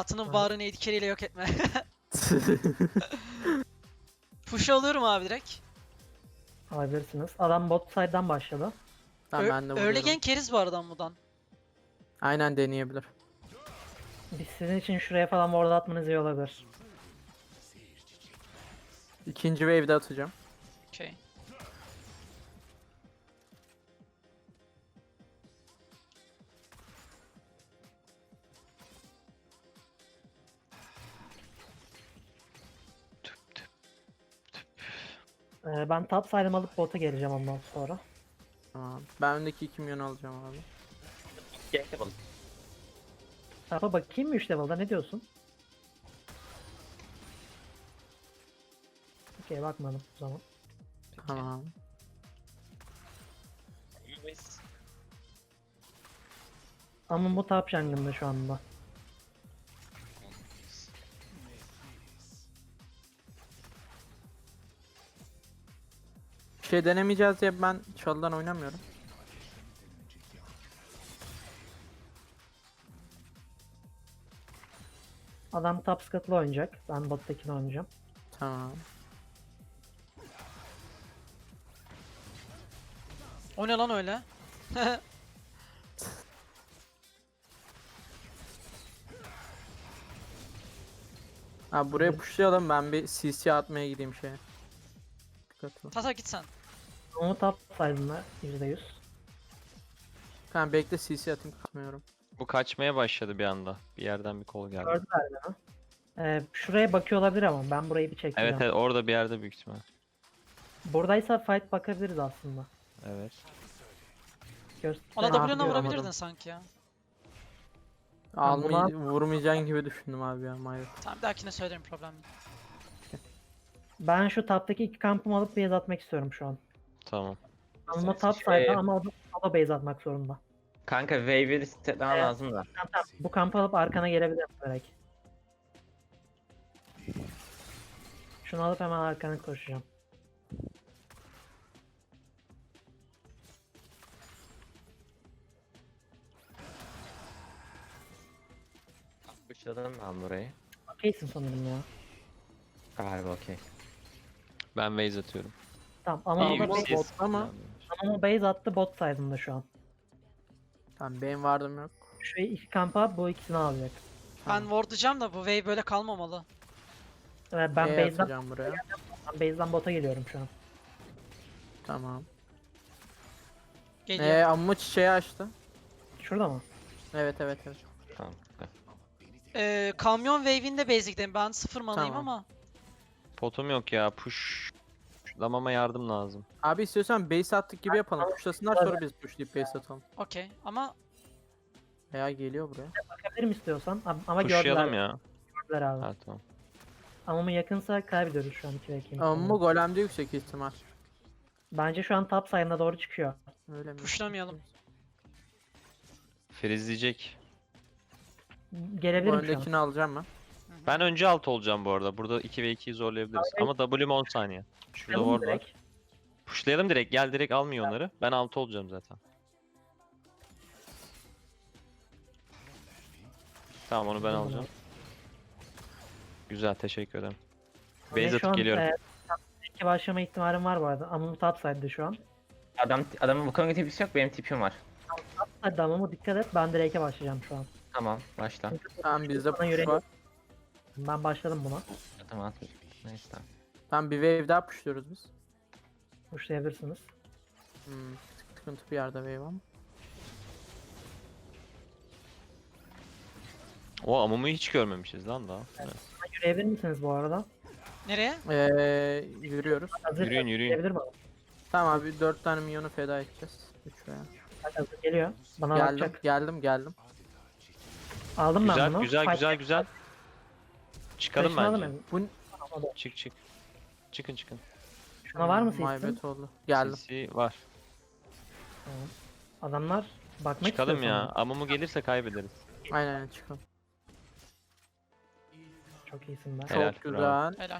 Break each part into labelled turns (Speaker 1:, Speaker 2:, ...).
Speaker 1: Hayatının
Speaker 2: Aha.
Speaker 1: bağrını etkileriyle yok etme. Push alıyorum abi direkt.
Speaker 2: Alabilirsiniz. Adam bot side'dan başladı.
Speaker 3: Tamam ben de
Speaker 1: Early
Speaker 3: vuruyorum.
Speaker 1: gank keriz bu arada buradan.
Speaker 3: Aynen deneyebilir.
Speaker 2: Biz sizin için şuraya falan ward atmanız iyi olabilir.
Speaker 3: İkinci wave'de atacağım.
Speaker 1: Okey.
Speaker 2: Ben top side'ımı alıp bota geleceğim ondan sonra.
Speaker 3: Tamam. Ben öndeki 2 milyon alacağım abi.
Speaker 4: Gerek yapalım.
Speaker 2: Tapa bakayım mı 3 level'da, ne diyorsun? Okey, bakmadım o zaman.
Speaker 3: Tamam.
Speaker 4: İyiyiz.
Speaker 2: Ama bu top jungle'da şu anda.
Speaker 3: Bir şey denemeyeceğiz diye ben çalıdan oynamıyorum.
Speaker 2: Adam top scuttle'la oynayacak. Ben bot'takini oynayacağım.
Speaker 3: Tamam.
Speaker 1: O ne lan öyle?
Speaker 3: Ha buraya pushlayalım, ben bir CC atmaya gideyim şeye. Dikkatli.
Speaker 1: Tata git sen.
Speaker 2: Ama top side'ında %100.
Speaker 3: Tamam bekle, CC atayım, kaçmıyorum.
Speaker 5: Bu kaçmaya başladı bir anda. Bir yerden bir kol geldi.
Speaker 2: Gördüler beni. Şuraya bakıyor olabilir ama ben burayı bir çekeceğim.
Speaker 5: Evet evet, orada bir yerde büyük ihtimal.
Speaker 2: Buradaysa fight bakabiliriz aslında.
Speaker 5: Evet.
Speaker 1: Ona
Speaker 2: Göster-
Speaker 1: W'na
Speaker 3: yapıyorum
Speaker 1: vurabilirdin
Speaker 3: adam.
Speaker 1: sanki ya.
Speaker 3: Vurmayacağın gibi düşündüm abi ya, Mayo.
Speaker 1: Tamam, bir dahakine söylerim, problem değil.
Speaker 2: Ben şu top'taki iki kampımı alıp base atmak istiyorum şu an.
Speaker 5: Tamam.
Speaker 2: Ama top side'da ama o da base atmak zorunda.
Speaker 4: Kanka wave'i setlemen
Speaker 2: Evet.
Speaker 4: lazım da.
Speaker 2: Tamam. Bu kampı alıp arkana gelebilirim belki. Şunu alıp hemen arkana koşacağım.
Speaker 4: Bıçladın ben burayı.
Speaker 2: Okeysin sanırım ya.
Speaker 4: Galiba okey.
Speaker 5: Ben base atıyorum.
Speaker 2: Tamam ama
Speaker 5: İyi,
Speaker 2: o da
Speaker 5: siz-
Speaker 2: base,
Speaker 3: ama-
Speaker 2: ama base attı bot side'ında şu an.
Speaker 3: Tamam benim vardım yok.
Speaker 2: Şu iki kampa bu ikisini alacak.
Speaker 1: Ben wardlayacağım da bu wave böyle kalmamalı.
Speaker 2: Ben
Speaker 3: B'ye
Speaker 2: base'den,
Speaker 3: atacağım buraya.
Speaker 2: bota geliyorum şu an.
Speaker 3: Tamam.
Speaker 1: Geliyor.
Speaker 3: Amma çiçeği açtı.
Speaker 2: Şurada mı?
Speaker 3: Evet evet evet.
Speaker 4: Tamam.
Speaker 1: Kamyon wave'inde basic'teyim. Ben sıfır manayım
Speaker 3: Tamam.
Speaker 1: ama.
Speaker 5: Potum yok ya, pushlamama yardım lazım.
Speaker 3: Abi istiyorsan base attık gibi yapalım. Pushlasınlar sonra biz pushlayıp base atalım.
Speaker 1: Okey ama
Speaker 3: Veya geliyor buraya.
Speaker 2: Bakabilirim istiyorsan ama
Speaker 5: Pushlayalım
Speaker 2: gördüler,
Speaker 5: ya.
Speaker 2: gördüler abi.
Speaker 5: Ha tamam.
Speaker 2: Ama yakınsa kaybediyoruz şu an 2 ve 2.
Speaker 3: Amma golemde yüksek ihtimal.
Speaker 2: Bence şu an top side'ına doğru çıkıyor.
Speaker 3: Öyle mi?
Speaker 1: pushlamayalım.
Speaker 5: Freezleyecek.
Speaker 3: Bu
Speaker 2: Gelebilirim şu an.
Speaker 3: öndekini alacağım ben.
Speaker 5: Ben önce alt olacağım bu arada. Burada 2 ve 2'yi zorlayabiliriz. Ama W'm 10 saniye. Şurada
Speaker 2: Yapalım
Speaker 5: ward var.
Speaker 2: direkt.
Speaker 5: Pushlayalım direkt. Gel direkt almıyor onları. Ben altı olacağım zaten. Tamam, onu ben alacağım. Güzel, teşekkür ederim.
Speaker 2: Ve
Speaker 5: Base
Speaker 2: şu
Speaker 5: atıp
Speaker 2: an,
Speaker 5: geliyorum.
Speaker 2: iki başlama ihtimalim var bu arada. Ama bu top side'de şu an.
Speaker 4: Adamın bu konuda tipisi yok, benim tipim var.
Speaker 2: Hadi ama dikkat et, ben direk'e başlayacağım şu an.
Speaker 4: Tamam, başla.
Speaker 3: Tamam bizde
Speaker 2: Bana
Speaker 3: push
Speaker 2: yüreği-
Speaker 3: var.
Speaker 2: Ben başladım buna.
Speaker 4: Tamam atmış. Neyse tamam.
Speaker 3: Tamam bir wave daha pushluyoruz biz.
Speaker 2: Pushlayabilirsiniz.
Speaker 3: Sıkıntı bir yerde wave ama.
Speaker 5: O Amumu hiç görmemişiz lan daha. Evet.
Speaker 2: Yürüyebilir misiniz bu arada?
Speaker 1: Nereye?
Speaker 3: Yürüyoruz.
Speaker 2: Hazır
Speaker 5: Yürüyün, yürüyün.
Speaker 2: Gelebilir mi?
Speaker 3: Tamam abi 4 tane minyonu feda edeceğiz. 3 veya.
Speaker 2: Hadi hazır geliyor. Bana
Speaker 3: Geldim,
Speaker 2: bakacak.
Speaker 3: geldim.
Speaker 2: Aldım ben
Speaker 5: Güzel,
Speaker 2: bunu.
Speaker 5: güzel,
Speaker 2: Fight-
Speaker 5: güzel, güzel. Çıkalım
Speaker 2: Flash'ını
Speaker 5: bence.
Speaker 2: aldım
Speaker 3: Bu
Speaker 5: Çık çık. Çıkın.
Speaker 2: Şuna var mı
Speaker 3: My
Speaker 2: seçtin?
Speaker 3: bad oldu. Geldim.
Speaker 5: CC var.
Speaker 2: Adamlar bakmak
Speaker 5: Çıkalım
Speaker 2: istiyor
Speaker 5: ya.
Speaker 2: sanırım.
Speaker 5: Amumu gelirse kaybederiz.
Speaker 3: Aynen çıkalım.
Speaker 2: Çok iyisin ben.
Speaker 5: Helal,
Speaker 3: Çok güzel.
Speaker 1: Helal.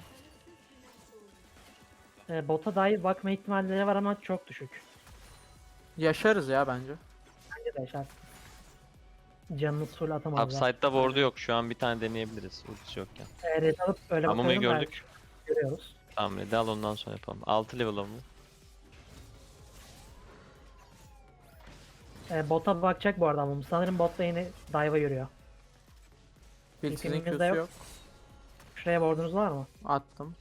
Speaker 2: Bota dair bakma ihtimalleri var ama çok düşük.
Speaker 3: Yaşarız ya bence.
Speaker 2: Bence de yaşarsın. Canınız full atamazlar.
Speaker 5: Upside'da ward'u yok. Şu an bir tane deneyebiliriz. Ultisi yokken.
Speaker 2: Red alıp öyle
Speaker 5: Amumu'yu
Speaker 2: bakıyorum.
Speaker 5: gördük.
Speaker 2: Görüyoruz.
Speaker 5: Tamam Red'i al ondan sonra yapalım. 6 level Amumu.
Speaker 2: Bota bakacak bu arada ama sanırım botta yine dive'a yürüyor.
Speaker 3: Biltiz'in
Speaker 2: İpimizde
Speaker 3: Q'su
Speaker 2: yok.
Speaker 3: yok.
Speaker 2: Şuraya ward'unuz var mı?
Speaker 3: Attım.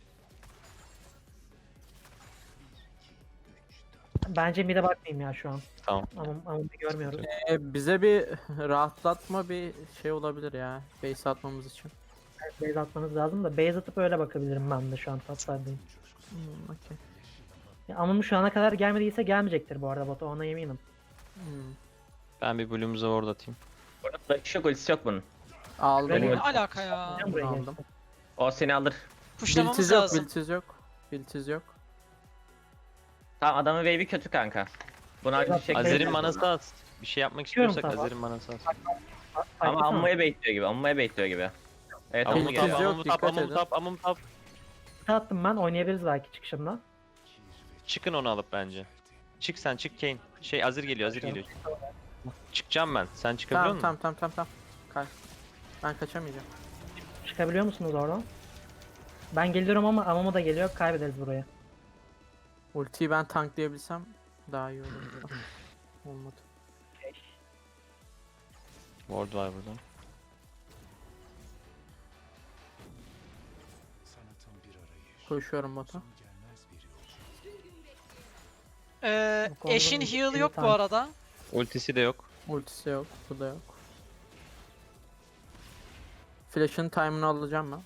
Speaker 2: Bence mid'e bakmayayım ya şu an.
Speaker 5: Tamam.
Speaker 2: Ama görmüyoruz.
Speaker 3: Bize bir rahatlatma bir şey olabilir ya. Base atmamız için.
Speaker 2: Base atmanız lazım da base atıp öyle bakabilirim ben de şu an toplardayım.
Speaker 3: Okey.
Speaker 2: Ama şu ana kadar gelmediyse gelmeyecektir bu arada bota, ona eminim.
Speaker 5: Ben bir Bloom'uza ward atayım.
Speaker 4: Orada flash yok, ultisi yok bunun.
Speaker 3: Aldım.
Speaker 2: Benim-
Speaker 1: Ne alaka ya?
Speaker 2: Ben buraya
Speaker 3: aldım.
Speaker 2: geçtim.
Speaker 4: O seni alır.
Speaker 1: Pushlamamız
Speaker 3: Biltiz yok,
Speaker 1: lazım.
Speaker 3: biltiz yok. Biltiz yok.
Speaker 4: Tamam, adamın wave'i kötü kanka. Bunu acil bir şekilde...
Speaker 5: Azir'in manası az. Bir şey yapmak
Speaker 2: Çıkıyorum
Speaker 5: istiyorsak
Speaker 2: tamam.
Speaker 5: Azir'in manası az.
Speaker 4: Ama
Speaker 2: Fight'ı
Speaker 4: Ammu'ya baitliyor gibi, Ammu'ya baitliyor gibi. Evet,
Speaker 5: Amumu
Speaker 4: Ammu
Speaker 3: Biltiz
Speaker 5: tap,
Speaker 4: geliyor.
Speaker 3: yok,
Speaker 5: Amumu tap,
Speaker 3: dikkat
Speaker 5: Amumu
Speaker 3: edin.
Speaker 5: tap, Amumu tap.
Speaker 2: attım ben, oynayabiliriz belki çıkışımda.
Speaker 5: Çıkın onu alıp bence. Çık sen, çık Kane. Şey Azir geliyor, Azir geliyor. Çıkacağım ben. Sen çıkabiliyor
Speaker 3: Tamam
Speaker 5: musun?
Speaker 3: tamam tamam tamam. Kaç. Ben kaçamayacağım.
Speaker 2: Çıkabiliyor musunuz oradan? Ben geliyorum ama Amama da geliyor, kaybederiz burayı.
Speaker 3: Ultiyi ben tanklayabilsem daha iyi olur. Olmadı.
Speaker 5: Ward var burada.
Speaker 3: Koşuyorum bota.
Speaker 2: Bu konuda
Speaker 1: Eşin
Speaker 2: bir
Speaker 1: heal
Speaker 2: şey
Speaker 1: yok bu
Speaker 2: tank-
Speaker 1: arada.
Speaker 5: Ultisi de yok.
Speaker 3: Ultisi yok. Bu da yok. Flash'ın time'ını alacağım ben.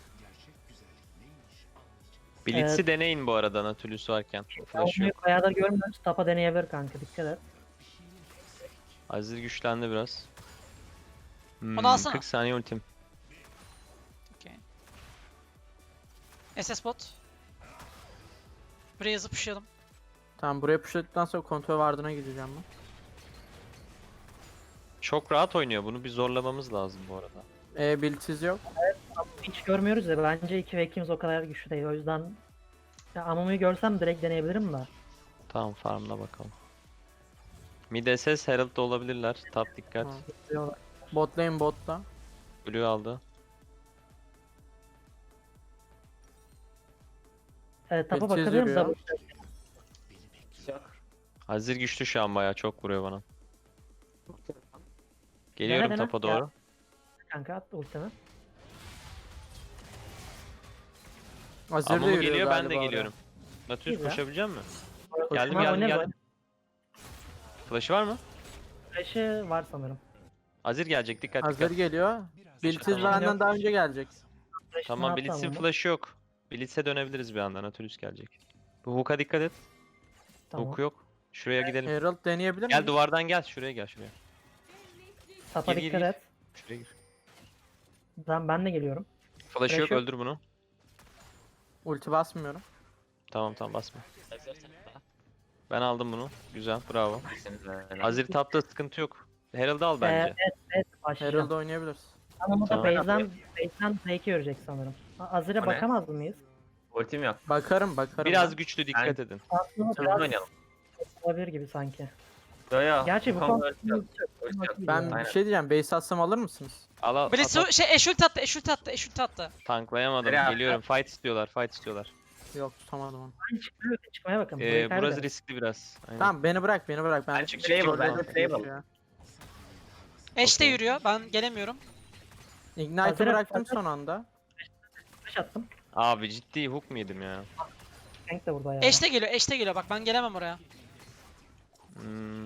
Speaker 5: Blitz'i deneyin bu arada Nautilus varken. Flash
Speaker 2: Amumu
Speaker 5: yok.
Speaker 2: bayağıdır görmüyoruz, tapa deneyebilir kanka, dikkat et.
Speaker 5: Azir güçlendi biraz.
Speaker 1: Onu alsana.
Speaker 5: 40 saniye ultim.
Speaker 1: Okey. SS bot. Buraya yazıp pushlayalım.
Speaker 3: Tamam, buraya pushladıktan sonra kontrol vardığına gideceğim ben.
Speaker 5: Çok rahat oynuyor. Bunu bir zorlamamız lazım bu arada.
Speaker 3: Biltiz yok.
Speaker 2: Hiç görmüyoruz ya, bence 2 ve 2'miz o kadar güçlü değil, o yüzden ya Amumu'yu görsem direkt deneyebilirim de.
Speaker 5: Tamam farmla bakalım. Mid SS Herald da olabilirler. Top dikkat.
Speaker 3: Tamam. Bot lane botta.
Speaker 5: Blue aldı.
Speaker 2: Tapa
Speaker 3: Geçeceğiz
Speaker 2: bakabilirim
Speaker 3: yürüyor.
Speaker 2: de
Speaker 5: Azir güçlü şu an bayağı çok vuruyor bana. Geliyorum
Speaker 2: dene.
Speaker 5: tapa doğru.
Speaker 2: kanka, at ultimi.
Speaker 3: Azir de
Speaker 5: Amumu
Speaker 3: yürüyor
Speaker 5: geliyor ben
Speaker 3: galiba
Speaker 5: de
Speaker 3: oraya.
Speaker 5: geliyorum. Nautilus
Speaker 2: Güzel.
Speaker 5: koşabilecek misin?
Speaker 2: Koşma
Speaker 5: Geldim
Speaker 2: oynarız.
Speaker 5: geldim. Flash'ı var mı?
Speaker 2: Flash'ı var sanırım.
Speaker 5: Azir gelecek dikkat
Speaker 3: Azir
Speaker 5: dikkat.
Speaker 3: geliyor. Biltiz
Speaker 5: Tamam.
Speaker 3: benden daha önce gelecek.
Speaker 2: Flash'ını
Speaker 5: Tamam
Speaker 2: attı
Speaker 5: Blitz'in
Speaker 2: Amumu.
Speaker 5: flash'ı yok. Blitz'e dönebiliriz bir anda. Nautilus gelecek. Bu hook'a dikkat et.
Speaker 2: Tamam.
Speaker 5: Hook yok. Şuraya gidelim.
Speaker 3: Herald deneyebilir
Speaker 5: Gel
Speaker 3: miyiz?
Speaker 5: duvardan gel. Şuraya gel şuraya.
Speaker 2: Tapa
Speaker 5: Gir, gir,
Speaker 2: dikkat
Speaker 5: gir.
Speaker 2: et.
Speaker 5: Şuraya gir.
Speaker 2: Ben de geliyorum.
Speaker 5: Flash'ı yok
Speaker 2: Flash yok.
Speaker 5: öldür bunu.
Speaker 3: Ulti basmıyorum.
Speaker 5: Tamam tamam basma. Ben aldım bunu. Güzel bravo. Azir tapta sıkıntı yok. Herald'ı al bence.
Speaker 2: Evet, başlayacağım.
Speaker 3: Herald oynayabiliriz.
Speaker 2: Ama bu da
Speaker 5: Tamam.
Speaker 2: base'den fake görecek sanırım. Azir'e
Speaker 4: O ne?
Speaker 2: bakamaz mıyız?
Speaker 4: Ultim yok.
Speaker 3: Bakarım
Speaker 5: Biraz
Speaker 3: ben.
Speaker 5: güçlü dikkat edin.
Speaker 2: Aslında
Speaker 4: Hızlı
Speaker 2: biraz
Speaker 4: oynayalım.
Speaker 2: olabilir gibi sanki.
Speaker 4: Yo yo.
Speaker 2: Gerçi bu
Speaker 4: konuda
Speaker 2: konuda
Speaker 4: ulti yok. Ulti yok.
Speaker 3: Ben
Speaker 4: Aynen.
Speaker 3: bir şey diyeceğim. Base atsam alır mısınız?
Speaker 5: Al al.
Speaker 1: Blitz
Speaker 5: at, at.
Speaker 1: şey eşult attı, eşult attı, eşult attı.
Speaker 5: Tanklayamadım.
Speaker 4: Nereye
Speaker 5: Geliyorum. Fight istiyorlar. Fight istiyorlar.
Speaker 3: Yok, tutamadım onu.
Speaker 2: Çıkmaya bakın. burayı
Speaker 5: Burası
Speaker 2: kaybederiz.
Speaker 5: riskli biraz. Aynen.
Speaker 3: Tamam, beni bırak. Ben
Speaker 4: Ben çık Trable, ben de Trable.
Speaker 3: Ya.
Speaker 1: Eş de
Speaker 5: Okey.
Speaker 1: yürüyor. Ben gelemiyorum.
Speaker 3: Ignite'ı
Speaker 2: Hazır-
Speaker 3: bıraktım
Speaker 2: hazır.
Speaker 3: son anda.
Speaker 2: Flash attım.
Speaker 5: Abi ciddi hook mu yedim ya?
Speaker 2: Tank de burada ya.
Speaker 1: Eş de geliyor, eş de geliyor. Bak ben gelemem oraya.
Speaker 5: Hmm.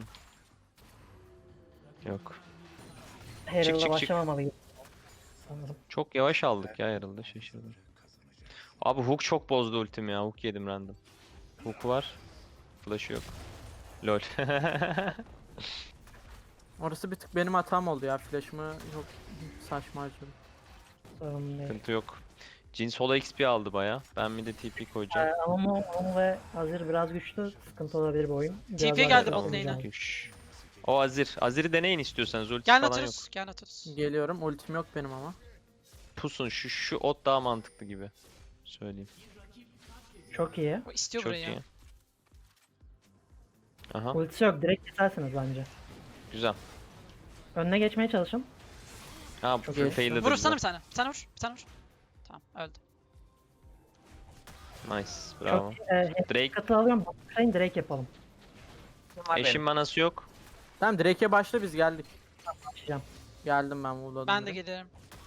Speaker 5: Yok.
Speaker 2: Herald'a
Speaker 5: çık, çık.
Speaker 2: başlamamalıyız. Sanırım.
Speaker 5: Çok yavaş aldık ya herhalde şaşırdım. Abi hook çok bozdu ultim ya. Hook yedim random. Hook var. Flash'ı yok. Lol.
Speaker 3: Orası bir tık benim hatam oldu ya. Flash'ımı çok saçma harcadım.
Speaker 2: Sorun değil.
Speaker 5: Sıkıntı yok. Jhin solo XP aldı baya. Ben bir de TP koyacağım.
Speaker 2: Amumu ve Azir biraz güçlü. Sıkıntı olabilir bu oyun. Biraz
Speaker 1: TP
Speaker 2: daha
Speaker 1: geldi
Speaker 2: güçlü
Speaker 1: bot
Speaker 2: olacağım.
Speaker 1: lane'e.
Speaker 5: Şş. O Azir. Azir'i deneyin istiyorsanız. Ultisi
Speaker 1: Gel
Speaker 5: falan yok.
Speaker 1: Nautilus, gel Nautilus.
Speaker 3: Geliyorum. Ultim yok benim ama.
Speaker 5: Pusun. Şu ot daha mantıklı gibi. Söyleyeyim.
Speaker 2: Çok iyi.
Speaker 1: O istiyor
Speaker 5: Çok
Speaker 1: burayı ya.
Speaker 5: iyi. Aha.
Speaker 2: Ultisi yok. Direkt kesersiniz bence.
Speaker 5: Güzel.
Speaker 2: Önüne geçmeye çalışın.
Speaker 5: Ha
Speaker 2: Çok
Speaker 5: full
Speaker 2: iyi.
Speaker 5: fail'ladı
Speaker 1: Vurursana
Speaker 5: bizi.
Speaker 1: bir tane. Bir tane vur. Bir tane vur. Tamam öldü.
Speaker 5: Nice. Bravo.
Speaker 2: Çok
Speaker 5: Drake.
Speaker 2: katı alıyorum. Bakayım direkt yapalım.
Speaker 4: Var
Speaker 5: Eşin
Speaker 4: benim.
Speaker 5: manası yok.
Speaker 3: Tamam Drake'e başla biz geldik.
Speaker 2: Başlayacağım.
Speaker 3: Geldim ben vurladım.
Speaker 1: Ben de
Speaker 3: direkt.
Speaker 1: gelirim.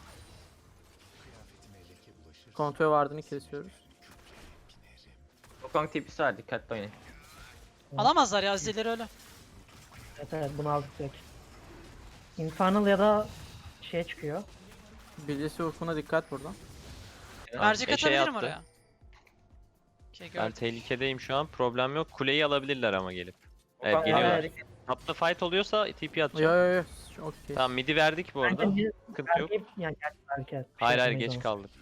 Speaker 3: Kontrol vardığını kesiyoruz.
Speaker 4: Wukong tipisi var, dikkatli oynayın.
Speaker 1: Alamazlar ya Azizleri öyle.
Speaker 2: Evet bunu aldık direkt. Infernal ya da şeye çıkıyor.
Speaker 3: Bilgisi ufkuna dikkat buradan.
Speaker 1: Mercek
Speaker 5: eşeğe
Speaker 1: atabilirim
Speaker 5: attı.
Speaker 1: oraya. Okey
Speaker 5: Ben
Speaker 1: gördüm.
Speaker 5: tehlikedeyim şu an. Problem yok. Kuleyi alabilirler ama gelip. Evet
Speaker 4: Wukong
Speaker 5: geliyorlar.
Speaker 2: Evet.
Speaker 5: Tapta fight oluyorsa TP
Speaker 3: Yo
Speaker 5: atacağım.
Speaker 3: yo yo. Okey.
Speaker 5: Tamam mid'i verdik bu arada.
Speaker 2: Bence
Speaker 5: Sıkıntı yok.
Speaker 2: yani belki evet, bir
Speaker 5: Hayır
Speaker 2: şey
Speaker 5: hayır
Speaker 2: yapamayız
Speaker 5: geç
Speaker 2: ama.
Speaker 5: kaldık.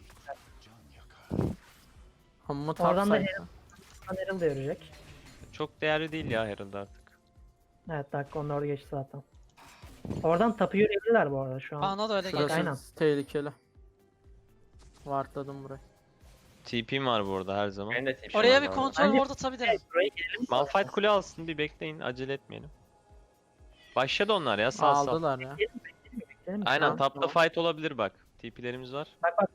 Speaker 3: Amma
Speaker 2: Oradan da
Speaker 3: topside.
Speaker 2: Herald da yürüyecek.
Speaker 5: Çok değerli değil ya Herald artık.
Speaker 2: Evet dakika onun orada geçti zaten. Oradan tapu yürüyebilirler bu arada şu an.
Speaker 1: Bana da öyle
Speaker 3: Şurası
Speaker 1: geliyor.
Speaker 2: Aynen.
Speaker 3: tehlikeli. Wardladım burayı.
Speaker 5: TP'm var bu arada her zaman.
Speaker 4: Benim de tipim
Speaker 1: Oraya
Speaker 4: var
Speaker 1: bir
Speaker 4: bu arada.
Speaker 1: kontrol
Speaker 2: Bence-
Speaker 1: ward atabilirim.
Speaker 2: Buraya gelelim.
Speaker 5: Malphite kule alsın bir bekleyin acele etmeyelim. Başladı onlar ya sağ sağ.
Speaker 3: Aldılar ya.
Speaker 2: Gidelim.
Speaker 5: Aynen
Speaker 3: Tamam,
Speaker 5: tapta
Speaker 3: tamam.
Speaker 5: fight olabilir bak. TP'lerimiz var.
Speaker 2: Bak bak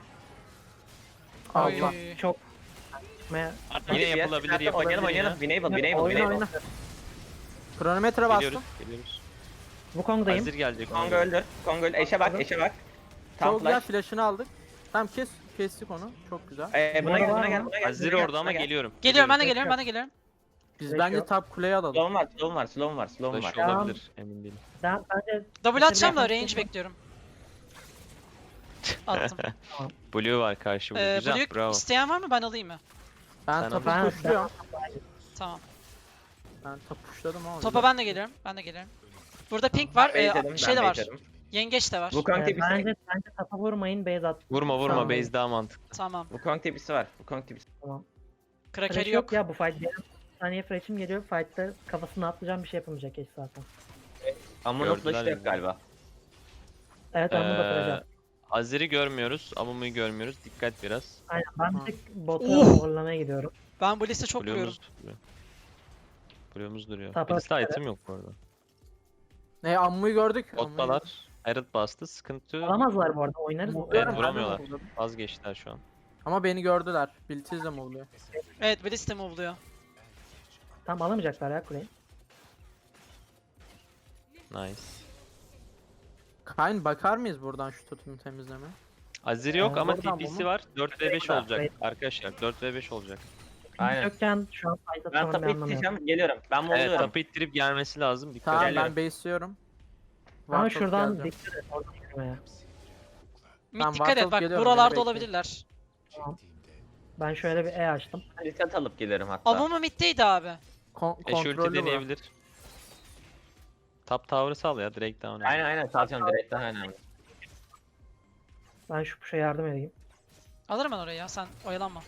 Speaker 1: Oy.
Speaker 3: Allah.
Speaker 2: çok Çıkmaya-
Speaker 5: Yine
Speaker 4: Hadi
Speaker 5: yapılabilir
Speaker 4: hadi
Speaker 5: yapabilir
Speaker 4: Oynayalım
Speaker 5: ya.
Speaker 4: oynayalım. Enable, enable,
Speaker 3: Oyna
Speaker 4: enable.
Speaker 3: oyna. Kronometre bastım.
Speaker 5: Geliyoruz geliyoruz.
Speaker 2: Wukong'dayım.
Speaker 5: Hazır gelecek.
Speaker 4: Kong öldür. Kong öldür. Eşe bak, eşe bak. Tam
Speaker 3: Çok güzel
Speaker 4: flash.
Speaker 3: flash'ını aldık. Tamam kestik onu. Çok güzel.
Speaker 4: Buna gel,
Speaker 2: Var
Speaker 4: buna
Speaker 2: mı?
Speaker 4: gel, buna gel.
Speaker 5: Hazır
Speaker 4: buna gel,
Speaker 5: orada ama
Speaker 4: buna gel.
Speaker 5: geliyorum.
Speaker 1: Geliyorum ben de
Speaker 2: Yok,
Speaker 1: geliyorum
Speaker 2: yok.
Speaker 1: ben de geliyorum.
Speaker 3: Biz
Speaker 2: Flash
Speaker 3: bence
Speaker 2: yok.
Speaker 3: top kuleyi alalım.
Speaker 4: Slow'um var, slow'um var, slow'um var, slow'um
Speaker 5: Flash
Speaker 4: var.
Speaker 5: olabilir emin değilim.
Speaker 2: Bence
Speaker 1: Double atacağım da
Speaker 2: yakın
Speaker 1: range
Speaker 2: tutma.
Speaker 1: bekliyorum. Attım.
Speaker 5: Blue var karşı Blue. Güzel
Speaker 1: Blue
Speaker 5: bravo.
Speaker 1: isteyen var mı ben alayım mı?
Speaker 3: Ben
Speaker 5: Sen
Speaker 3: topu
Speaker 2: Ben-
Speaker 3: pushluyorum.
Speaker 1: Tamam.
Speaker 3: Ben top pushladım ama.
Speaker 1: Topa ben de geliyorum. Ben de geliyorum. Burada pink var.
Speaker 4: Baitledim,
Speaker 1: Şey de
Speaker 4: ben
Speaker 1: var.
Speaker 4: baitledim.
Speaker 1: Yengeç de var.
Speaker 4: Wukong tipisi.
Speaker 2: bence tapa vurmayın base at.
Speaker 5: Vurma vurma
Speaker 2: Tamam.
Speaker 5: base daha mantıklı.
Speaker 1: Tamam.
Speaker 4: Wukong tipisi var. Wukong tipisi.
Speaker 1: Kraker'i
Speaker 2: Flash
Speaker 1: yok.
Speaker 2: yok ya bu fight. Benim bir saniye flash'im geliyor. Fight'ta kafasına atlayacağım bir şey yapamayacak eş zaten.
Speaker 4: Ama
Speaker 5: Gördüler
Speaker 4: flash'ı da yok
Speaker 5: yani.
Speaker 4: galiba.
Speaker 2: Evet onu da kıracağım.
Speaker 5: Azir'i görmüyoruz. Amumu'yu görmüyoruz. Dikkat biraz.
Speaker 2: Aynen ben bir tek bota
Speaker 1: Oh!
Speaker 2: zorlamaya gidiyorum.
Speaker 1: Ben bu liste çok vuruyorum.
Speaker 5: Blue'umuz duruyor. Blue'umuz duruyor.
Speaker 2: Tapa
Speaker 5: Bizde
Speaker 2: evet.
Speaker 5: item yok bu arada.
Speaker 3: Ne Ammu'yu gördük. Ammu'yu
Speaker 5: Bottalar. Herald bastı. Sıkıntı
Speaker 2: Alamazlar bu arada oynarız.
Speaker 3: gördük.
Speaker 5: Evet,
Speaker 3: Ben de
Speaker 5: vuramıyorlar.
Speaker 3: vurdum.
Speaker 5: vazgeçtiler şu an.
Speaker 3: Ama beni gördüler. Biltiz de mi oluyor?
Speaker 1: Evet bu liste mi oluyor?
Speaker 2: Tam alamayacaklar ya kuleyi.
Speaker 5: Nice.
Speaker 3: Kayn bakar mıyız buradan şu tutunu temizleme?
Speaker 5: Azir yok ama
Speaker 3: Oradan
Speaker 5: TP'si
Speaker 3: bunu-
Speaker 5: var. 4v5
Speaker 4: Burada.
Speaker 5: olacak
Speaker 2: Evet.
Speaker 5: arkadaşlar. 4v5 olacak.
Speaker 4: Aynen.
Speaker 2: Yokken şu an fight
Speaker 4: Ben
Speaker 2: atmanın bir
Speaker 4: tapı
Speaker 2: anlamı yok.
Speaker 4: ittireceğim, geliyorum. Ben
Speaker 5: Evet
Speaker 4: buluyorum.
Speaker 5: tapı ittirip gelmesi lazım. Dikkat
Speaker 3: Tamam
Speaker 5: edin.
Speaker 3: ben base'liyorum.
Speaker 2: Ama
Speaker 3: Vartok
Speaker 2: şuradan
Speaker 3: geleceğim.
Speaker 2: dikkat et oradan yürümeye.
Speaker 1: Mid
Speaker 3: Tamam,
Speaker 1: dikkat et
Speaker 3: Vartol
Speaker 1: bak
Speaker 3: geliyorum,
Speaker 1: buralarda
Speaker 3: beni bekle.
Speaker 1: olabilirler.
Speaker 2: Ben şöyle bir E açtım.
Speaker 4: Reset alıp gelirim hatta.
Speaker 1: Amumu middeydi abi.
Speaker 5: Eş ulti
Speaker 3: Kontrollü bu.
Speaker 5: deneyebilir. Top tower'ı sal ya. Drake down.
Speaker 4: Aynen aynen salacağım direkt daha önemli.
Speaker 2: Ben şu puşa yardım edeyim.
Speaker 1: Alırım ben orayı ya sen oyalanma.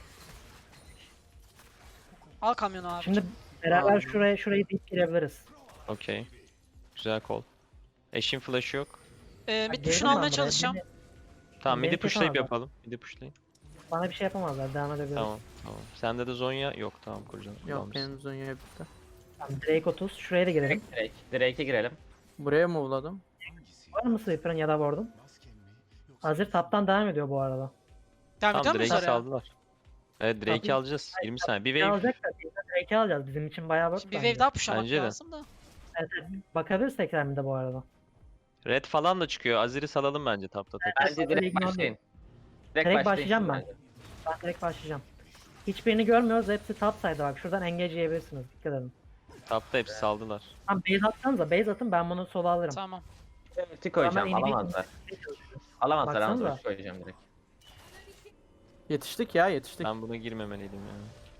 Speaker 1: Al kamyonu abi.
Speaker 2: Şimdi beraber
Speaker 3: Aldım.
Speaker 2: şurayı deyip girebiliriz.
Speaker 5: Okey. Güzel call. Eşin flash'ı yok.
Speaker 1: Mid
Speaker 2: Geldim
Speaker 1: push'unu
Speaker 2: ben
Speaker 1: almaya
Speaker 2: buraya.
Speaker 1: çalışacağım.
Speaker 5: Tamam
Speaker 2: Beni
Speaker 5: midi pushlayıp
Speaker 2: kesemezler.
Speaker 5: yapalım. Midi pushlayın.
Speaker 2: Bana bir şey yapamazlar. Devam edebiliriz.
Speaker 5: Tamam tamam. Sende de Zonya yok tamam kuracağım.
Speaker 3: Yok
Speaker 5: Tamam.
Speaker 3: benim Zonya'ya bitti.
Speaker 2: Tamam, Drake 30. Şuraya da girelim.
Speaker 4: Drake'e girelim.
Speaker 3: Buraya mı uladım?
Speaker 2: Var mı Sweeper'ın ya da Ward'un? Hazır taptan devam ediyor bu arada.
Speaker 1: Devam ediyor
Speaker 5: Tamam
Speaker 1: muyuz
Speaker 5: Drake'i
Speaker 1: oraya?
Speaker 5: saldılar. Evet Drake'i
Speaker 2: Tabii.
Speaker 5: alacağız. 20 saniye. Bir
Speaker 2: Ne
Speaker 5: wave.
Speaker 2: alacak da biz de Drake'i alacağız. Bizim için bayağı work
Speaker 1: Şimdi bir
Speaker 2: bence.
Speaker 1: wave daha pushlamak
Speaker 5: Bence de.
Speaker 1: lazım da.
Speaker 2: Evet, evet. Bakabiliriz tekrar bir de bu arada.
Speaker 5: Red falan da çıkıyor. Azir'i salalım bence tapta tek.
Speaker 4: Bence direkt
Speaker 2: ignore
Speaker 4: başlayın.
Speaker 2: Direkt başlayacağım ben.
Speaker 4: bence.
Speaker 2: Ben direkt başlayacağım. Hiçbirini görmüyoruz. Hepsi top side'da bak. Şuradan engage yiyebilirsiniz. Dikkat edin.
Speaker 5: Tapta hepsi saldılar.
Speaker 2: Tamam base atsanıza. Base atın ben bunu sola alırım.
Speaker 1: Tamam.
Speaker 4: Ulti koyacağım
Speaker 2: Ama
Speaker 4: alamazlar. Alamazlar ama
Speaker 2: Baksanıza.
Speaker 4: ulti koyacağım direkt.
Speaker 3: Yetiştik ya yetiştik.
Speaker 5: Ben buna girmemeliydim ya.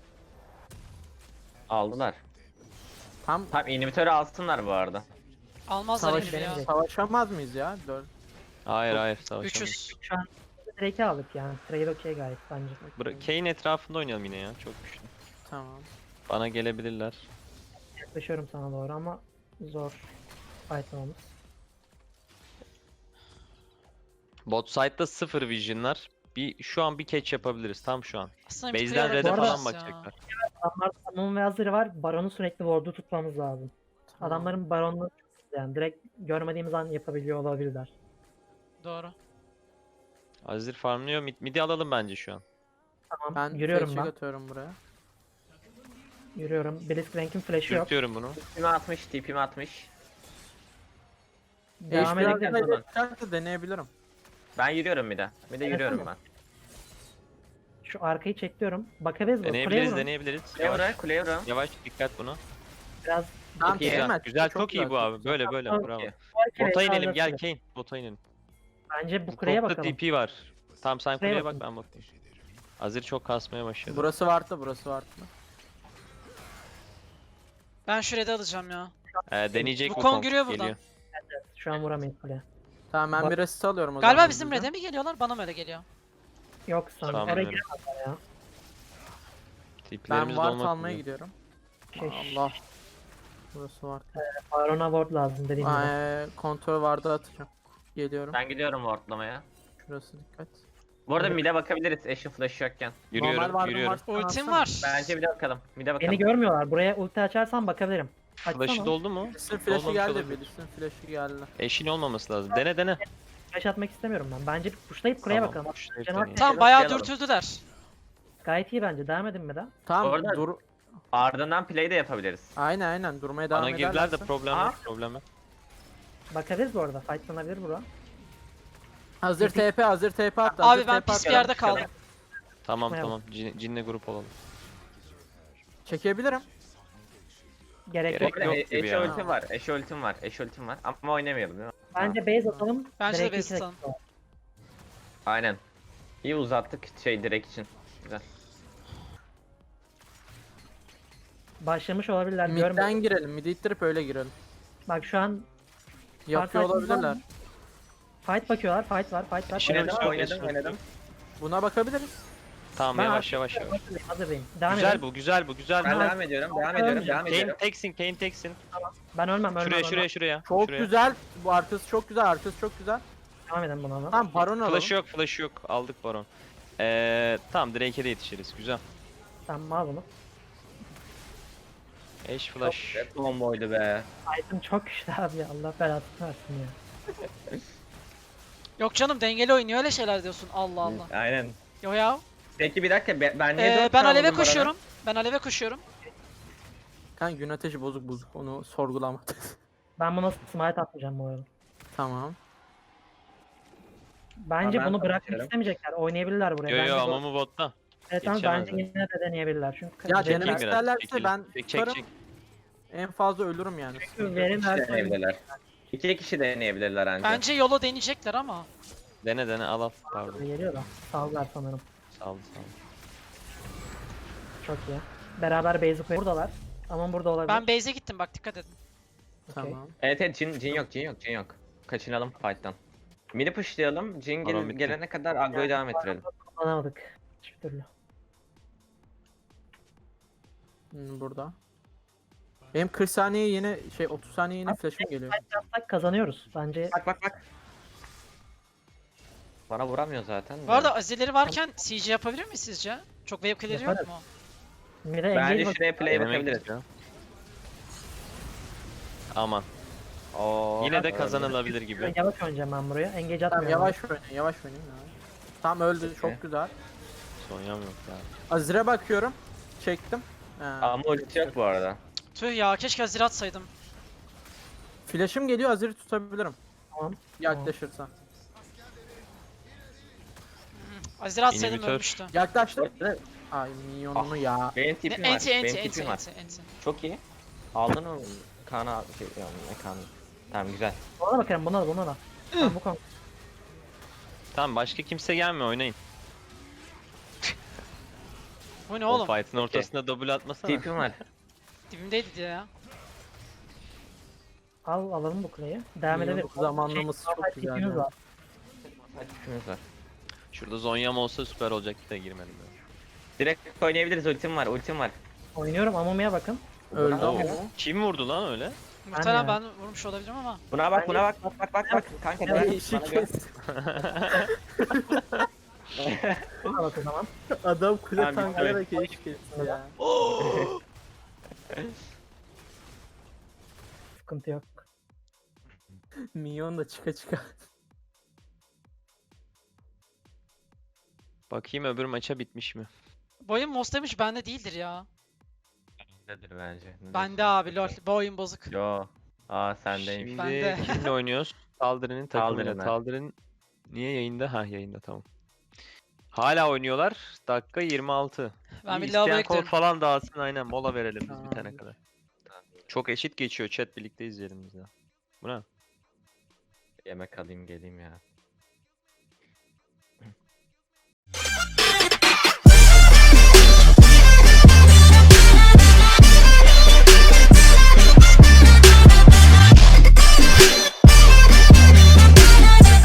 Speaker 4: Aldılar.
Speaker 3: Tam
Speaker 4: Tam inhibitörü alsınlar bu arada.
Speaker 1: Almazlar
Speaker 3: savaş,
Speaker 1: elim ya.
Speaker 3: savaşamaz mıyız ya?
Speaker 5: Hayır hayır savaşamayız.
Speaker 1: 300.
Speaker 2: Şu an Drake'i aldık yani. Trade okey gayet bence.
Speaker 5: Kayn etrafında oynayalım yine ya. Çok güçlü.
Speaker 3: Tamam.
Speaker 5: Bana gelebilirler.
Speaker 2: Yaklaşıyorum sana doğru ama zor fightlamamız.
Speaker 5: Bot side'da 0 vision'lar. Şu an bir catch yapabiliriz tam şu an.
Speaker 1: Aslında bir
Speaker 5: Base'den
Speaker 1: clear
Speaker 5: red'e
Speaker 2: Bu arada-
Speaker 5: falan
Speaker 1: yapabiliriz ya.
Speaker 5: bakacaklar.
Speaker 2: Adamlar Samon ve Azir var. Baron'u sürekli ward'u tutmamız lazım.
Speaker 3: Tamam.
Speaker 2: Adamların Baron'u yani. Direkt görmediğimiz an yapabiliyor olabilirler.
Speaker 1: Doğru.
Speaker 5: Azir farmlıyor. Midi alalım bence şu an.
Speaker 2: Tamam.
Speaker 3: Ben
Speaker 2: Yürüyorum
Speaker 3: flash'ı
Speaker 2: ben.
Speaker 3: atıyorum buraya.
Speaker 2: Yürüyorum. Blitzcrank'in flash'ı yok.
Speaker 5: Sürtüyorum bunu.
Speaker 4: TP'mi atmış, TP'mi atmış.
Speaker 2: Devam
Speaker 3: Biraz
Speaker 2: edelim.
Speaker 3: daha
Speaker 4: zaman.
Speaker 3: ileride deneyebilirim.
Speaker 4: Ben yürüyorum bir de. Bir de yürüyorum ben.
Speaker 2: Şu arkayı çekliyorum. Bakabiliriz mi? Kuleye
Speaker 5: Deneyebiliriz,
Speaker 2: vurun.
Speaker 5: deneyebiliriz.
Speaker 4: Kuleye
Speaker 5: Yavaş,
Speaker 4: vura, kuleye vura.
Speaker 5: yavaş dikkat buna.
Speaker 2: Biraz
Speaker 3: Tamam,
Speaker 4: iyi.
Speaker 5: Güzel,
Speaker 3: Kemal,
Speaker 5: güzel, çok iyi bu
Speaker 3: güzel.
Speaker 5: abi. Böyle böyle,
Speaker 2: Tamam,
Speaker 5: bravo.
Speaker 4: iyi.
Speaker 5: Bota inelim,
Speaker 2: Bence
Speaker 5: gel Kane. Bota inelim.
Speaker 2: bu kuleye
Speaker 5: Topta
Speaker 2: bakalım.
Speaker 5: TP var. Tamam sen
Speaker 2: Kuleye
Speaker 5: kuleye bak,
Speaker 2: bakın.
Speaker 5: ben bakayım. Azir çok kasmaya başladı.
Speaker 3: Burası vardı, burası vardı.
Speaker 1: Ben şu red'i alacağım ya.
Speaker 5: Deneyecek bu
Speaker 1: Wukong
Speaker 5: Kong,
Speaker 1: giriyor buradan.
Speaker 5: geliyor.
Speaker 2: Şu an vuramayız kuleye.
Speaker 3: Tamam ben
Speaker 2: Bak-
Speaker 3: bir resist alıyorum o
Speaker 1: Galiba
Speaker 3: zaman.
Speaker 1: bizim
Speaker 3: hızlıca.
Speaker 1: red'e mi geliyorlar? Bana mı öyle geliyor?
Speaker 2: Yok sanırım.
Speaker 5: Tamam,
Speaker 2: Oraya
Speaker 5: evet.
Speaker 2: giremezler ya.
Speaker 3: Ben
Speaker 5: TP'lerimiz
Speaker 3: ward
Speaker 5: dolmak
Speaker 3: almaya
Speaker 5: üzere.
Speaker 3: gidiyorum.
Speaker 2: Şey,
Speaker 3: Allah. Burası ward.
Speaker 2: Baron'a ward lazım dediğim gibi.
Speaker 3: Kontrol vardı atacağım. Geliyorum.
Speaker 4: Ben gidiyorum wardlamaya.
Speaker 3: Şurası dikkat.
Speaker 4: Bu arada mid'e bakabiliriz eşin flash'ı yokken.
Speaker 5: Yürüyorum,
Speaker 3: vardı,
Speaker 5: yürüyorum.
Speaker 3: varsa
Speaker 1: Ultim
Speaker 3: atsana.
Speaker 1: var.
Speaker 4: Bence mid'e bakalım. Mid'e bakalım.
Speaker 2: Beni görmüyorlar. Buraya ulti açarsan bakabilirim.
Speaker 5: Flash'ı
Speaker 2: Açsana.
Speaker 5: doldu mu?
Speaker 3: Bilis'in flash'ı
Speaker 5: Olmamış
Speaker 3: geldi,
Speaker 5: olabilir.
Speaker 3: Bilis'in flash'ı geldi.
Speaker 5: Eşin olmaması lazım. Dene dene.
Speaker 2: Flash atmak istemiyorum ben. Bence bir pushlayıp kuleye
Speaker 5: Tamam,
Speaker 2: bakalım.
Speaker 5: pushlayıp
Speaker 2: Cenab-
Speaker 5: deneyelim.
Speaker 1: Tamam bayağı
Speaker 4: Alalım.
Speaker 1: dürtüldüler.
Speaker 2: Gayet iyi bence. Devam edin mi de?
Speaker 3: Tamam
Speaker 4: Orada-
Speaker 3: dur.
Speaker 4: Ardından play de yapabiliriz.
Speaker 3: Aynen durmaya devam
Speaker 5: Bana girdiler de
Speaker 3: ederlerse.
Speaker 5: problem
Speaker 4: Aa.
Speaker 5: yok, problem yok.
Speaker 2: Bakabiliriz bu arada. Fightlanabilir bura.
Speaker 3: Hazır TP, hazır TP attı.
Speaker 1: Abi
Speaker 3: hazır
Speaker 1: ben
Speaker 3: TP
Speaker 1: pis bir
Speaker 3: attı.
Speaker 1: yerde kaldım.
Speaker 5: Tamam
Speaker 2: Çıkmayalım.
Speaker 5: tamam, Cinle grup olalım.
Speaker 3: Çekebilirim.
Speaker 2: Gerek,
Speaker 5: Gerek
Speaker 2: yok.
Speaker 5: yok gibi
Speaker 4: Eşe
Speaker 5: ya.
Speaker 4: ultim var, eşe ultim var, eşe ultim var. Ama oynamayalım değil mi?
Speaker 2: Bence base atalım.
Speaker 1: Bence de
Speaker 2: direkt
Speaker 1: base
Speaker 2: iki
Speaker 1: atalım.
Speaker 2: dakika var.
Speaker 4: Aynen. İyi uzattık direkt için. Güzel.
Speaker 2: Başlamış olabilirler.
Speaker 3: Mid'den
Speaker 2: Görmüyorum.
Speaker 3: girelim. Mid'i ittirip öyle girelim.
Speaker 2: Bak şu an
Speaker 3: Yapıyor
Speaker 2: Fark ettin
Speaker 3: olabilirler.
Speaker 2: mi? fight bakıyorlar. Fight var. Fight var.
Speaker 5: İşine
Speaker 4: Oynadım,
Speaker 5: Eşin
Speaker 4: oynadım,
Speaker 5: ulti.
Speaker 4: oynadım.
Speaker 3: Buna bakabiliriz.
Speaker 5: Tamam,
Speaker 2: Ben
Speaker 5: yavaş yavaş yavaş.
Speaker 2: Hazırlayın. Hazırlayın. Devam
Speaker 5: Güzel
Speaker 2: edin.
Speaker 5: bu, güzel bu, güzel
Speaker 4: Ben
Speaker 5: bu.
Speaker 4: devam ediyorum, devam ediyorum, devam
Speaker 5: Kane
Speaker 4: ediyorum.
Speaker 5: teksin, Kane teksin.
Speaker 2: Ben ölmem. Ölmem.
Speaker 5: Şuraya.
Speaker 3: Çok
Speaker 5: şuraya.
Speaker 3: güzel. Bu arkası çok güzel, arkası çok güzel.
Speaker 2: Devam edin buna.
Speaker 3: Tamam baron alalım.
Speaker 5: Flash yok. Aldık baron. Tamam, Drake'e de yetişiriz. Güzel.
Speaker 2: Tamam al bunu.
Speaker 5: Eş flash.
Speaker 4: Hep bomboydu be.
Speaker 2: Item çok güçlü abi ya. Allah belasını versin ya.
Speaker 1: Yok canım dengeli oynuyor öyle şeyler diyorsun. Allah Allah.
Speaker 4: Aynen.
Speaker 1: Yo ya.
Speaker 4: Peki bir dakika, ben niye dört
Speaker 1: Ben
Speaker 4: kaldım
Speaker 1: aleve
Speaker 4: bana?
Speaker 1: koşuyorum. Ben aleve koşuyorum.
Speaker 3: Kan gün ateşi bozuk onu sorgulama.
Speaker 2: Ben buna smite atmayacağım bu arada.
Speaker 3: Tamam.
Speaker 2: Bence
Speaker 4: Ben
Speaker 2: bunu bırakmak
Speaker 4: atıyorum.
Speaker 2: istemeyecekler. Oynayabilirler buraya.
Speaker 5: Yo
Speaker 2: Bence
Speaker 5: ama bu botta.
Speaker 2: evet, ama bence
Speaker 5: yetişemezler.
Speaker 2: yine de deneyebilirler. Çünkü
Speaker 3: Ya
Speaker 2: Jack'in
Speaker 3: denemek
Speaker 5: biraz,
Speaker 3: isterlerse
Speaker 5: çekelim.
Speaker 3: ben
Speaker 5: Çek,
Speaker 3: tutarım.
Speaker 5: çek.
Speaker 3: En fazla ölürüm yani.
Speaker 2: verim
Speaker 4: İki
Speaker 2: versin.
Speaker 4: deneyebilirler. İki kişi deneyebilirler ancak.
Speaker 1: Bence yolu deneyecekler ama.
Speaker 5: Dene al. Pardon.
Speaker 2: Geliyor da. Sallar sanırım.
Speaker 5: Sağ ol.
Speaker 2: Çok iyi. Beraber base'i koyuyor. Buradalar. Ama burada olabilir.
Speaker 1: Ben base'e gittim bak dikkat edin.
Speaker 3: Tamam.
Speaker 4: Evet, Jin yok. Kaçınalım fight'tan. Mini pushlayalım, Jin
Speaker 5: Baron bitti.
Speaker 4: gelene kadar agroyu devam ettirelim.
Speaker 2: Kullanamadık. Hiçbir türlü.
Speaker 3: Benim 40 saniye yine şey 30 saniye yine flash'ım geliyor.
Speaker 2: Yapsak kazanıyoruz. Bence
Speaker 4: Bak. Bana vuramıyor zaten.
Speaker 1: Bu arada azileri varken CG yapabilir mi sizce? Çok wave clear'i yok
Speaker 2: Yaparız.
Speaker 1: mu?
Speaker 2: mide engage
Speaker 4: Bence
Speaker 2: bak.
Speaker 4: şuraya play
Speaker 5: Denemek
Speaker 4: bakabiliriz.
Speaker 5: istiyorum. Aman.
Speaker 4: Oo,
Speaker 5: Yine de
Speaker 4: öyle.
Speaker 5: kazanılabilir gibi.
Speaker 2: Yavaş oynayacağım ben buraya. Engage
Speaker 3: Tamam
Speaker 2: atmıyorum.
Speaker 3: yavaş oynayın ya. Tamam öldü
Speaker 4: Okey.
Speaker 3: çok güzel.
Speaker 5: Sonyam yok ya.
Speaker 3: Azir'e bakıyorum. Çektim.
Speaker 4: Ama ulti yok bu arada.
Speaker 1: Tüh ya keşke azir atsaydım.
Speaker 3: Flash'ım geliyor Azir'i tutabilirim.
Speaker 2: Tamam.
Speaker 3: Yaklaşırsa.
Speaker 1: Azir atsaydım
Speaker 5: İnhibitör.
Speaker 1: ölmüştü.
Speaker 3: Yaklaştım. Ay minyonunu ya.
Speaker 4: Benim tipim var.
Speaker 1: Enti
Speaker 4: Benim
Speaker 1: enti
Speaker 4: tipim var.
Speaker 1: enti.
Speaker 4: Çok iyi. Aldın mı? Kana şey ya ne kanı. Tamam güzel.
Speaker 2: Buna bakarım buna da. Tamam bu konu.
Speaker 5: Tamam, başka kimse gelmiyor, oynayın.
Speaker 1: Bu ne
Speaker 5: O
Speaker 1: oğlum?
Speaker 5: fight'ın ortasında double atmasana.
Speaker 4: Tipim var.
Speaker 1: Dibimdeydi diye ya.
Speaker 2: Alalım bu kuleyi. Devam edelim.
Speaker 3: Minyonluk zamanlaması çok
Speaker 2: Normal
Speaker 3: güzel
Speaker 2: tipimiz
Speaker 3: ya.
Speaker 2: var.
Speaker 4: Tipimiz var.
Speaker 5: Şurada Zonya'm olsa süper olacaktı da girmedim ben.
Speaker 4: Direkt oynayabiliriz, ultim var.
Speaker 2: Oynuyorum Amumi'ye bakın.
Speaker 3: Öldü
Speaker 5: Oo,
Speaker 3: ama.
Speaker 5: kim vurdu lan öyle?
Speaker 1: Muhtemelen
Speaker 2: ya.
Speaker 1: ben vurmuş olabilirim ama.
Speaker 4: Buna bak. Bak. Kanka
Speaker 2: Ya,
Speaker 4: gel.
Speaker 3: İşi
Speaker 4: Bana gel.
Speaker 3: kes.
Speaker 2: Buna bak o zaman.
Speaker 3: Adam kule
Speaker 4: Tamam,
Speaker 3: tanklayarak iş kesti ya.
Speaker 2: Sıkıntı yok.
Speaker 3: Minyon da çıka çıka.
Speaker 5: Bakayım öbür maça bitmiş mi?
Speaker 1: Bu oyun Most demiş bende değildir ya.
Speaker 4: Nedir bence? Ne
Speaker 1: Bende
Speaker 4: diyorsun?
Speaker 1: abi lol. Bu oyun bozuk.
Speaker 4: Yo. Aa sendeymiş.
Speaker 5: Şimdi
Speaker 1: Bende.
Speaker 5: kimle oynuyoruz? Taldir'in takımıyla.
Speaker 4: Taldir'inle.
Speaker 5: Taldir'in niye yayında? Ha yayında tamam. Hala oynuyorlar. Dakika 26.
Speaker 1: Ben
Speaker 5: İyi,
Speaker 1: bir lavaboya
Speaker 5: isteyen kod
Speaker 1: gidiyorum.
Speaker 5: falan dağıtsın aynen mola verelim biz bitene
Speaker 2: Tamamdır.
Speaker 5: kadar. Çok eşit geçiyor chat birlikte izleyelim biz ya. Bu ne?
Speaker 4: Yemek alayım geleyim ya.